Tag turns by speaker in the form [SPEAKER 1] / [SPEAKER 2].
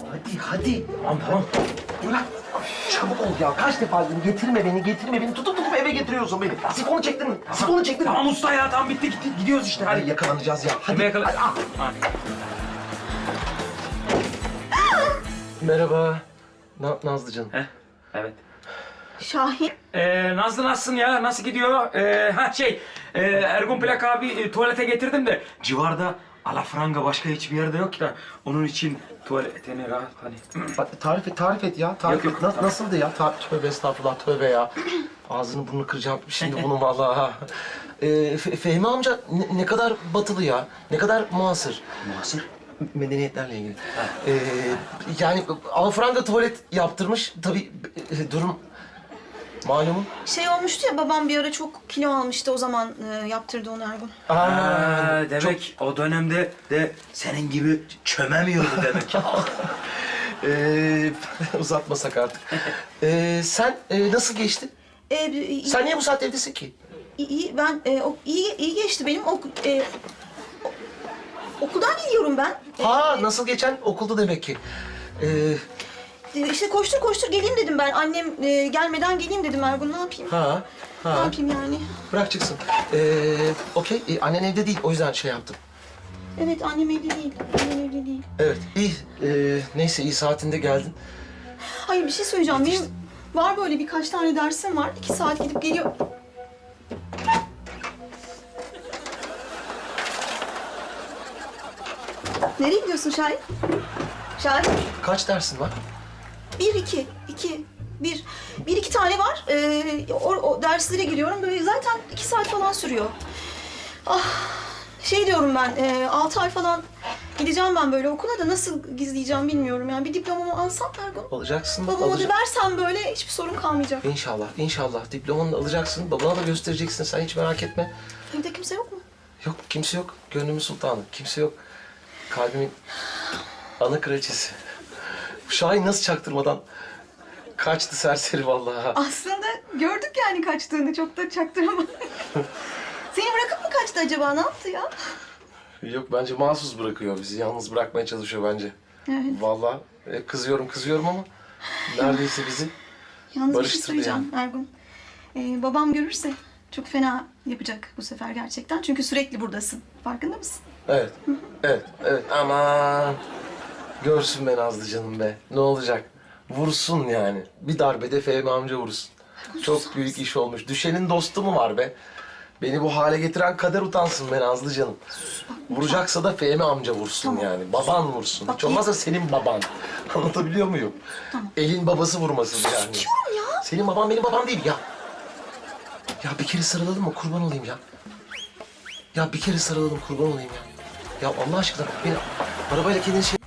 [SPEAKER 1] Hadi.
[SPEAKER 2] Tamam.
[SPEAKER 1] Bırak. Çabuk ol ya. Kaç defa dedim getirme beni. Tutup eve getiriyorsun beni. Sifonu çektin mi? Sifonu çektin mi?
[SPEAKER 2] Tamam usta ya, tamam bitti gitti. Gidiyoruz işte
[SPEAKER 1] Hadi
[SPEAKER 2] hadi.
[SPEAKER 1] yakalanacağız ya. Hadi.
[SPEAKER 2] Yakala.
[SPEAKER 1] Hadi. Merhaba. Nazlı canım.
[SPEAKER 2] Heh, evet.
[SPEAKER 3] Şahin.
[SPEAKER 2] Nazlı nasılsın ya? Nasıl gidiyor? Ergun Plak abi tuvalete getirdim de civarda alafranga başka hiçbir yerde yok da onun için tuvaletini rahat hani.
[SPEAKER 1] Bak, tarif et ya.
[SPEAKER 2] Yok.
[SPEAKER 1] Nasıldı ya? Tövbe estağfurullah, tövbe ya. Ağzını burnunu kıracağım şimdi bunun vallahi. Ha. Fehmi amca ne kadar batılı ya. Ne kadar muasır.
[SPEAKER 2] Muhasır.
[SPEAKER 1] Medeniyetlerle ilgili. Yani alafranga tuvalet yaptırmış. Tabii durum malumun.
[SPEAKER 3] Şey olmuştu ya, babam bir ara çok kilo almıştı, o zaman yaptırdı onu Ergun.
[SPEAKER 2] Demek o dönemde de senin gibi çömemiyordu demek.
[SPEAKER 1] Uzatmasak artık. Sen nasıl geçti? Sen niye bu saatte evdesin ki?
[SPEAKER 3] İyi geçti benim. Okuldan geliyorum ben.
[SPEAKER 1] Nasıl geçen? Okulda demek ki.
[SPEAKER 3] İşte koştur geleyim dedim ben. Annem gelmeden geleyim dedim Ergun. Ne yapayım? Ne yapayım yani?
[SPEAKER 1] Bırak çıksın. Okey. Annen evde değil. O yüzden şey yaptım.
[SPEAKER 3] Evet, annem evde değil.
[SPEAKER 1] Evet. İyi. Neyse iyi saatinde geldin.
[SPEAKER 3] Hayır, bir şey söyleyeceğim. Benim var böyle birkaç tane dersim var. 2 saat gidip geliyor. Nereye gidiyorsun Şahin? Şahin?
[SPEAKER 1] Kaç dersin var?
[SPEAKER 3] 1 2 tane var. O derslere giriyorum. Böyle zaten 2 saat falan sürüyor. Şey diyorum ben, 6 ay falan gideceğim ben böyle okula da nasıl gizleyeceğim bilmiyorum. Yani bir diplomamı alsam Ergun.
[SPEAKER 1] Alacaksın.
[SPEAKER 3] Babama da versem böyle hiçbir sorun kalmayacak.
[SPEAKER 1] İnşallah. Diplomanı da alacaksın. Babana da göstereceksin. Sen hiç merak etme.
[SPEAKER 3] Evde kimse yok mu?
[SPEAKER 1] Yok, kimse yok. Gönlümün sultanı. Kimse yok. Kalbimin ana kraliçesi. Şahin nasıl çaktırmadan kaçtı serseri vallahi.
[SPEAKER 3] Aslında gördük yani kaçtığını, çok da çaktıramadım. Seni bırakıp mı kaçtı acaba? Ne yaptı ya?
[SPEAKER 1] Yok, bence mahsus bırakıyor bizi. Yalnız bırakmaya çalışıyor bence.
[SPEAKER 3] Evet.
[SPEAKER 1] Vallahi kızıyorum ama neredeyse bizi
[SPEAKER 3] Yalnız bir şey
[SPEAKER 1] barıştırdı
[SPEAKER 3] söyleyeceğim Ergun. Babam görürse çok fena yapacak bu sefer gerçekten. Çünkü sürekli buradasın. Farkında mısın?
[SPEAKER 1] Evet. Aman. Görsün be Nazlı canım be. Ne olacak? Vursun yani. Bir darbede Fehmi amca vursun. Çok büyük iş olmuş. Düşenin dostu mu var be? Beni bu hale getiren kader utansın be Nazlı canım. Vuracaksa da Fehmi amca vursun
[SPEAKER 3] Tamam.
[SPEAKER 1] yani. Baban vursun.
[SPEAKER 3] Bak,
[SPEAKER 1] Hiç olmazsa senin baban. Anlatabiliyor muyum?
[SPEAKER 3] Tamam.
[SPEAKER 1] Elin babası vurmasın yani.
[SPEAKER 3] Diyorum ya.
[SPEAKER 1] Senin baban benim babam değil ya. Ya bir kere sarılalım mı? Kurban olayım ya. Ya bir kere sarılalım, kurban olayım ya. Ya Allah aşkına beni arabayla kendini şey...